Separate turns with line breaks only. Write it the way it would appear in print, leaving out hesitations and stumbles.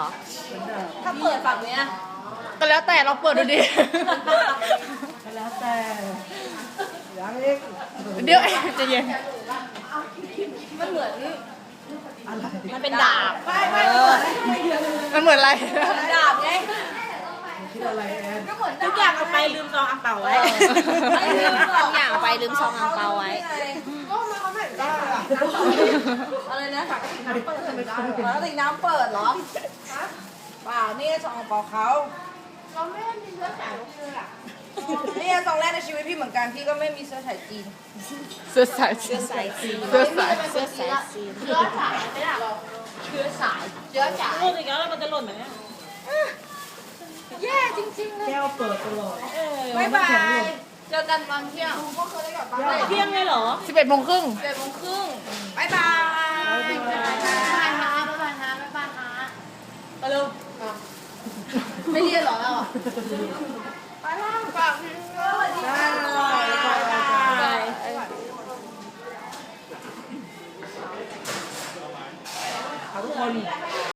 ถ้าเปิดฝั่งเนี้ย
ก็แล้วแต่เราเปิดดูดิ
แล้วแต่ยังอีก
เดี๋ยวใจะเย็น
มันเหมือน
อะไร
มันเป็นดาบ
มันเหมือนอะไร
ดาบไง
คิดอะไรแอน
ก็เหมือน
ทุกอย่างเอาไปลืมซองอังเปาไว้
ทุกอย่างไปลืมซองอังเปาไว้อะไรนะปกติน้ำเปิดเหรอเปล่านี่ซองอังเปาเขานี่ซองแรกในชีวิตพี่เหมือนกันพี่ก็ไม่มีเสื้อสายจีน
เสื้อสาย
เสื้อสายจีน
เสื้อสาย
เสื้อสายจีนเชื้อสาย
ลูกอีกแล้วมันจะหล่นไหมเนี่ย
แย่จริงๆเลย
แก้วเปิดตลอด
บ๊ายบายเจอกันตอนเที่ยง
เที่ยงเลยเหรอ
11:30
7:30บ๊ายบายบ๊ายบายฮะบ๊ายบายฮะบ๊ายบายฮะ
ไปเร็ว
ไม่เรียนเหรอเราไปแล้วฝากพี่ด้วย
ได้ทุกคน